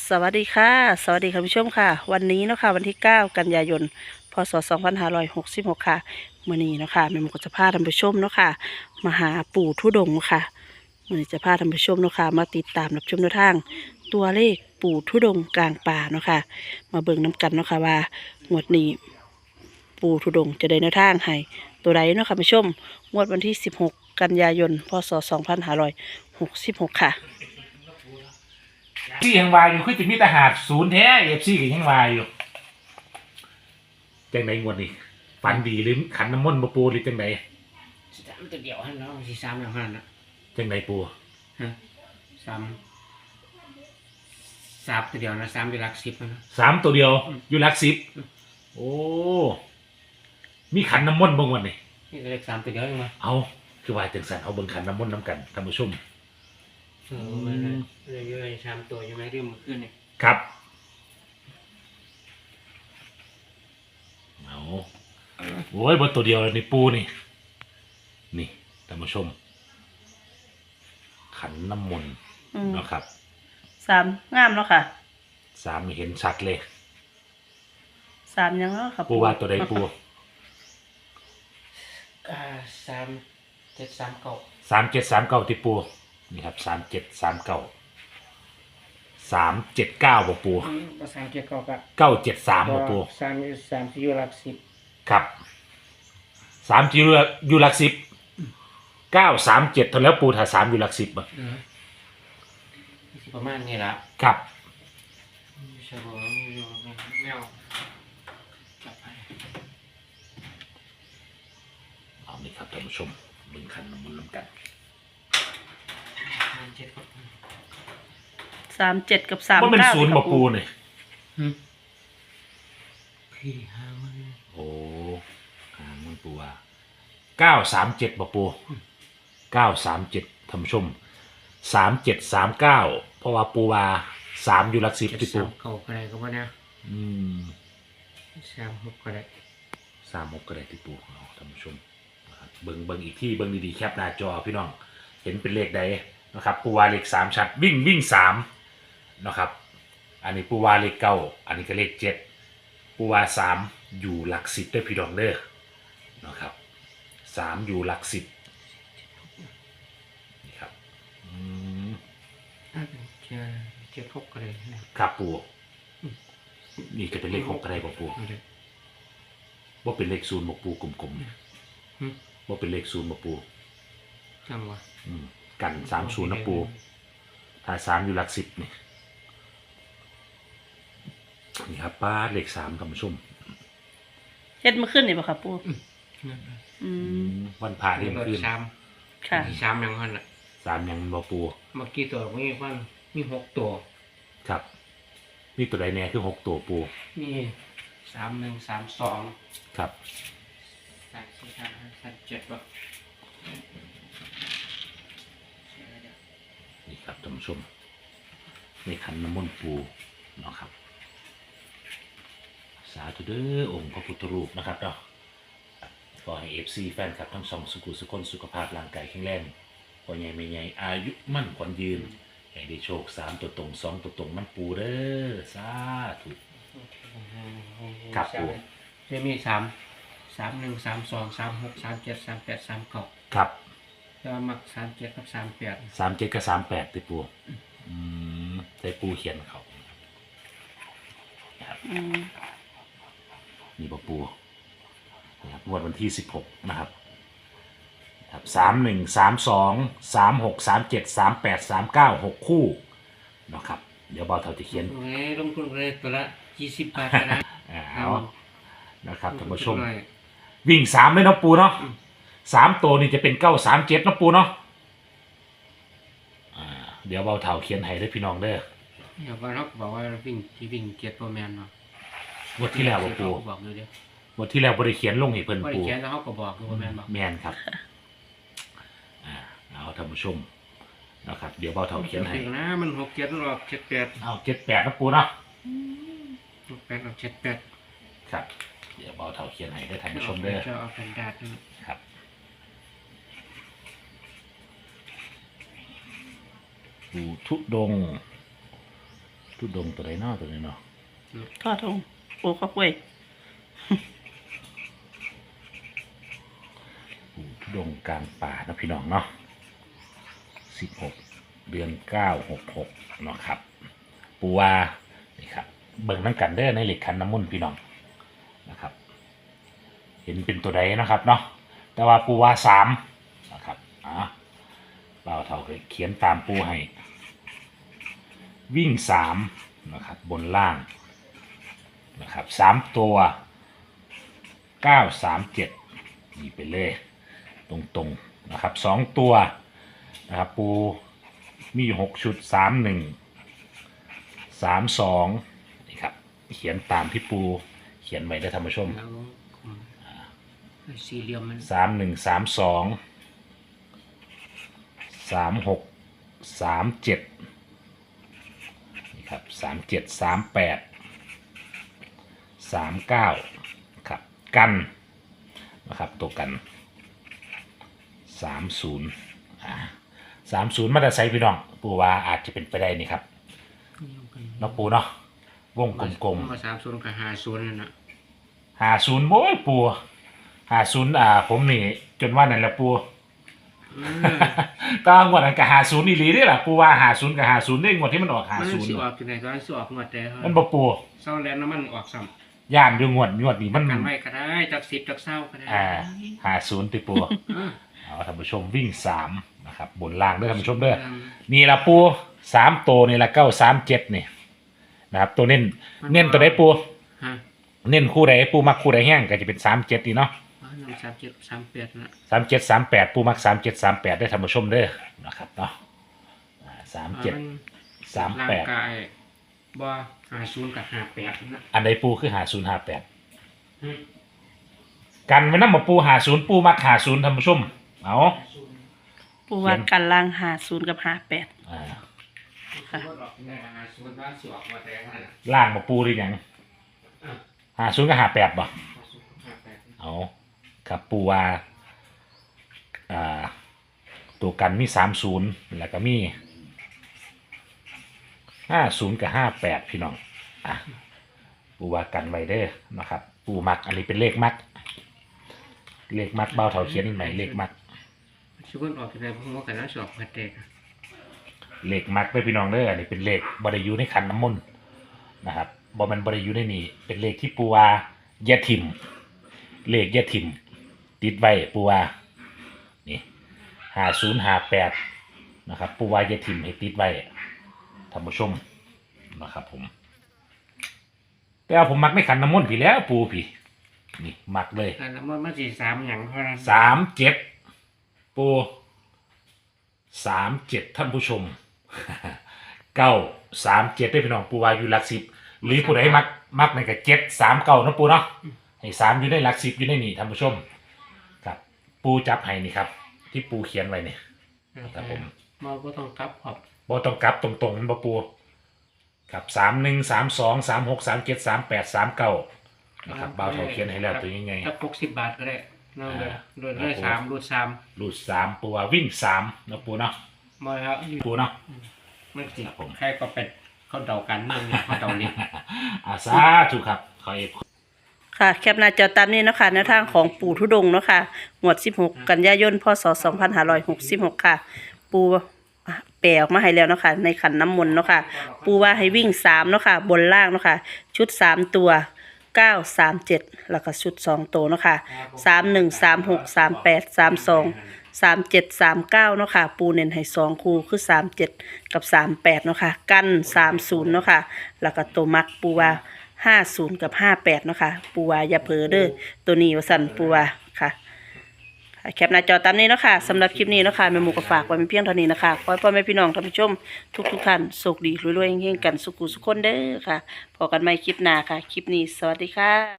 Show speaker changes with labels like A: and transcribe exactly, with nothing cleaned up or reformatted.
A: สวัสดีค่ะสวัสดีคุณผู้ชมค่ะวันนี้เนาะค่ะวันที่เก้ากันยายนพศสองพันห้าร้อยหกสิบหกค่ะมื้อนี้เนาะค่ะแม่หมูก็จะพาท่านผู้ชมเนาะค่ะมาหาปู่ทุดงค์ค่ะมื้อนี้จะพาท่านผู้ชมเนาะค่ะมาติดตามรับชมแนวทางตัวเลขปู่ทุดงค์กลางป่าเนาะค่ะมาเบิ่งน้กันเนาะค่ะว่างวดนี้ปู่ทุดงค์จะได้แนวทางให้ตัวใดเนาะค่ะผู้ชมงวดวันที่สิบหกกันยายนพศสองพันห้าร้อยหกสิบหกค่ะ
B: ที่ยังวายอยู่คือจะมีทหารศูนย์แท้เอฟซีก็ยังวายอยู่จังไหนงวดนี้ฝันดีหรือขันน้ำมนต์มาปูหรือจังไหน
C: สามตัวเดียวฮันเนาะสี่สามแล้วฮันนะ
B: จังไหนปู
C: ฮะสามสามตัวเดียวนะสามอยู่หลักสิบนะ
B: สามตัวเดียวอยู่หลักสิบโอ้มีขันน้ำมนต์บางวันนี่
C: นี่เลขสามตัวเดียวเองมั้ย
B: เอาคือว่าจังสันเอาเบิ่งขันน้ำมนต์น้ำกันท่านผู้ชม
C: เออมันเลยเยอะๆสามตัวอยู่ไหมเรื่องมันขึ้นนี่
B: ครับเอาโอ้ยบนตัวเดียวนี่ปูนี่นี่ท่านผู้ชมขันน้ำมนต์นะครับ
A: สามงามเนาะค่ะ
B: สามเห็นชัดเลย
A: สามยังเนาะค่ะ
B: ปูว่าตัวใดปู
C: อ่าสามเจ็ดสามเก้า
B: สามเจ็ดสามเก้าที่ปูนี่ครับสามเจ็ดสามเก้าสามเจ็ดเก้าบ่ปู
C: ภาษาเจ็ดเก้าก็
B: เก้าเจ็ดสามบ่ปู
C: สามสามสี่อยู่หลักสิบ
B: ครับสามอยู่อยู่หลักสิบเก้าสามเจ็ดเท่าแล้วปูถ้าสามอยู่หลักสิบบ่
C: ประมาณนี้ละ
B: ครับ
C: ใช่บ่แมวจับไป
B: เอานี่ครับท่านผู้ชมเบิ่งขันน้ำมนต์นำกัน
A: สามเจ็ดกับสาม
B: ว่าเป็นศูนย์บ่ปูนี่
C: พี่หามัน
B: โอ้หามันปูว่าเก้าสามเจ็ดบ่ปูเก้าสามเจ็ดท่านผู้ชมสามเจ็ดสามเก้าเพราะว่าปูว่าสามอยู่หลักสิบที่ปู
C: เก้าก็ได้ก็ว่าเนี่ย
B: อืม
C: สามหกก็ได้
B: สามหกก็ได้ที่ปูท่านผู้ชมเบิ่งเบิ่งอีกที่เบิ่งดีๆแคปหน้าจอพี่น้องเห็นเป็นเลขใดนะครับปูว่าเลขสามชัดวิ่งวิ่งสามนะครับอันนี้ปูว่าเลขเก้าอันนี้ก็เลขเจ็ดปูว่าสามอยู่หลักสิบด้วยพี่น้องเด้อนะครับสามอยู่หลักสิบนี่ครับอืม
C: จะเจ็ดหกก็ได้
B: ครับปูนี่ก็เป็นเลขหกก็ได้บ่ปูว่าเป็นเลขศูนย์บ่ปูกลมๆว่าเป็นเลขศูนย์บ่ปู
C: จังวะ
B: กันสามศูนย์นะปูถ้าสามอยู่หลักสิบนี่นี่ครับป้าเลขสามท่านผู้ชม
A: เฮ็ดมาขึ้นนี่ป่ะครับปู
B: วันผ่าเที่ยงคืน
A: ค่ะ
C: สามยังพันอ่ะ
B: สามยังบ่ปู
C: เมื่อกี้ตัวมีพันมีหกตัว
B: ครับนี่ตัวใดแน่คือหกตัวปู
C: นี่สามหนึ่งสามสอง
B: ครับ
C: สามสี่สามห้าสามเจ็ดป่ะ
B: นี่ครับท่านผู้ชมในขันน้ำมนต์ปูเนาะครับสาธุเด้อองค์พระพุทธรูปนะครับเนาะขอให้เอฟซีแฟนคลับทั้งสองสุขุสุขนสุขภาพร่างกายแข็งแรงพอใหญ่ไม่ใหญ่อายุมั่นขวัญยืนให้ได้โชคสามตัวตรงสองตัวตรงมันปูเด้อสาธุครับปู
C: จะมีสามสามหนึ่งสามสองสามหกสามเจ็ดสามแปดสามเก้า
B: ครับ
C: จะมักสามเจ็ดกับสามแปด
B: สามเจ็ดกับสามแปดติปูอืมใส่ปูเขียนเขานี่ปะปูนะครับงวดวันที่สิบหกนะครับครับสามหนึ่งสามสองสามหกสามเจ็ดสามแปดสามเก้าหกคู่นะครับเดี๋ยวบอลเท่าจะเขียน
C: ลงทุนเลยตัวละยี่สิบบาทนะ
B: เอานะครับท่านผู้ชมวิ่งสามเลยนะปูเนาะสามตัวนี่จะเป็นเก้าสามเจ็ดนะปูเนาะเดี๋ยวเบาเท่าเขียนให้ได้พี่น้องเด้อ
C: เดี๋ยวว่าเราบอกว่าวิ่งที่วิ่งเจ็ดตัวแมนเนาะ
B: งวดที่แล้วปูงวดที่แล้วบริเขียนลงให้เพิ่นปู
C: เขียนแล้วเขาก็บอกตัวแมนบอก
B: แมนครับอ่าเอาท่านผู้ชมนะครับเดี๋ยวเบาเท่าเขียนให้
C: นะมันหกเจ็ดหรอกเจ็ดแปด
B: เอาเจ็ดแปดนะปูเนาะ
C: หกแปดหรอกเจ็ดแปด
B: ครับเดี๋ยวเบาเท่าเขียนให้ได้ท่านผู้ชมเด้อ
C: จะเอาเป็นดาด
B: ครับปู่ทุดงค์ทุดงตัวใดเนอตัวนี้เนาะ
A: ทอดทงปูข้าวกล้วย
B: ปู่ทุดงกลางป่านะพี่น้องเนาะสิบหกเดือนเก้าหกหกเนาะครับปูว่านี่ครับเบิ่งน้ำกันเด้อในเหล็กขันน้ำมนต์พี่น้องนะครับเห็นเป็นตัวใดนะครับเนาะแต่ว่าปูว่าสามนะครับอ่ะเปล่าเท่าเคยเขียนตามปูให้วิ่งสามนะครับบนล่างนะครับสามตัวเก้าสามเจ็ดนี่ไปเลยตรงๆนะครับสองตัวนะครับปูมีอยู่หกชุดสามหนึ่งสามสองนี่ครับเขียนตามที่ปูเขียนไว้ได้ท่านผู้ชม
C: แล้วอืมสี่เหลี่ยมมัน
B: สามหนึ่งสามสองสามหกสามเจ็ดนี่ครับสามเจ็ดสามแปดสามเก้าครับกันนะครับตัวกันสามศูนย์อ่าสามศูนย์มาแต่ไซพี่น้องปูว่าอาจจะเป็นไปได้นี่ครับเนาะปูเนาะวงกลม
C: มาสามศูนย์กับห้าศูนย์นั่นนะ
B: ๆหาศูนย์โอ้ยปูหาศูนย์อ่าผมนี่จนว่านั่นแหละปู
C: อืม
B: ก็งวดนั้นกับหาศูนย์นี่หลีนี่แหละปูว่าหาศูนย์กับหาศูนย์นี่งวดที่มันออกหา
C: มัน
B: ศูนย์
C: สิออกที่ไหนตอนนั้นสิออกงวดแต่
B: มันบ่ปู
C: เศร้าแล้วน้ำมันออกซ้
B: ย่านอยู่งวดงวดนี้มัน
C: ำกันไว้ก็ได้จากสิบจากเศร้าก็ได้
B: อ่าหาศูนย์ติปู
C: อ่า
B: เอาท่านผู้ชมวิ่งสามนะครับบนล่างเด้อท่านผู้ชมเด้อนี่ละปูสามตัวนี่ละเก้าสามเจ็ดนี่นะครับตัวเน้นเน้นตัวใดปู
C: ฮะ
B: เน้นคู่ใดปูมักคู่ใดแห้งก็จะเป็นสามเจ็ดนี่เนาะ
C: อ๋อนำสามเจ็ดสามแปดนะ
B: สามเจ็ดสามแปดปูมักสามเจ็ดสามแปดได้ท่านผู้ชมเด้อนะครับเนาะสามเจ็ด สามแปด
C: ร่างกายบ่ห้าศูนย์กับห้าแปดนะ
B: อันใดปูคือหาศูนย์หาแปด
C: อืม
B: กันไว้น้ำมาปูหาศูนย์ปูมักหาศูนย์ท่านผู้ชมเอา
A: ปูว่ากันล่างหาศูนย์กับหาแปด
B: อ่า
C: ค่ะห้าศูนย์ว่าสิออกมาแต่ขนาดนั้น
B: ล่างมาปูหรือยัง
C: อ่ะ
B: หาศูนย์กับหาแปดบ่
C: ห้าศูนย์กับห้าแปด
B: เอาครับปูว่าอ่าตัวกันมีสามศูนย์แล้วก็มีห้าศูนย์กับห้าแปดพี่น้องอ่ะปูว่ากันไว้เด้อนะครับปูมักอันนี้เป็นเลขมักเลขมักเบ้าเถาเขียนใหม่เลขมัก
C: ชิวันออกที่ไหนผมว่ากันแล้วสิออกมาแต่กัน
B: เลขมักเด้อพี่น้องเด้ออันนี้เป็นเลขบริยูในขันน้ำมนต์นะครับบอมันบริยูในนี่เป็นเลขที่ปูว่าอยาถิ่มเลขอยาถิ่มติดไว้ปูว่านี่ห้าศูนย์ห้าแปดนะครับปูว่าอยาถิ่มให้ติดไว้ท่านผู้ชมนะครับผมแต่เอาผมมักไม่ขันน้ำมนต์พี่แล้วปูพี่นี่มักเลย
C: แต่ละมันมันสี่สามอย่างเท่านั้น
B: สามเจ็ดปูสามเจ็ดท่านผู้ชม เก้าสามเจ็ดได้พี่น้องปูว่าอยู่หลักสิบหรือผู้ใดมักมักในกับเจ็ดสามเก้านะปูเนาะให้สามอยู่ในหลักสิบอยู่ในนี่ท่านผู้ชมครับปูจับให้นี่ครับ ที่ปูเขียนไว้เนี่ย ครับผม
C: มันก็ต้องกลับขอบ
B: บ่ต้องกลับตรงๆมันบ่ปูครับสามหนึ่งสามสองสามหกสามเจ็ดสามแปดสามเก้านะครับบ่าวเท่าเขียนให้แล้วตัวยังไง
C: ถ้าหกสิบบาทก็ได้นั่นเลย
B: อ่า
C: รูดเลยสามรูดสาม
B: รูดสามปูว่าวิ่งสามนะปูเนาะ
C: มาครับ
B: ปูเนาะ
C: มันสิ
B: ครับผม
C: ใครก็เป็นเขาเดากันเมืองเนี่ยเขาเดาเรียน
B: อาสาถูกครับขอเอก
A: ค่ะแคปหน้าจอตามนี้เนาะค่ะแนวทางของปู่ทุดงค์เนาะค่ะงวดสิบหกกันยายนพศสองพันห้าร้อยหกสิบหกค่ะ ปูแปลออกมาให้แล้วเนาะค่ะในขันน้ำมนต์เนาะค่ะปูว่าให้วิ่งสามเนาะค่ะบนล่างเนาะค่ะชุดสามตัวเก้าสามเจ็ดแล้วก็ชุดสองตัวเนาะค่ะสามหนึ่งสามหกสามแปดสามสองสามเจ็ดสามเก้าเนาะค่ะปูเน้นให้สองคู่คือสามเจ็ดกับสามแปดเนาะค่ะกันสามศูนย์เนาะค่ะแล้วก็ตัวมักปูว่าห้าศูนย์กับห้าแปดเนาะค่ะปูว่าอย่าเผลอเด้อตัวนี้ว่าสั่นปูว่าค่ะแคปหน้าจอตามนี้เนาะค่ะสำหรับคลิปนี้เนาะค่ะแม่หมูก็ฝากไว้เป็นเพียงเท่านี้นะคะขอให้พ่อแม่พี่น้องท่านผู้ชมทุกทุกๆท่านโชคดีรวยๆเฮงๆกันสุขุสุขคนเด้อค่ะพบกันใหม่คลิปหน้าค่ะคลิปนี้สวัสดีค่ะ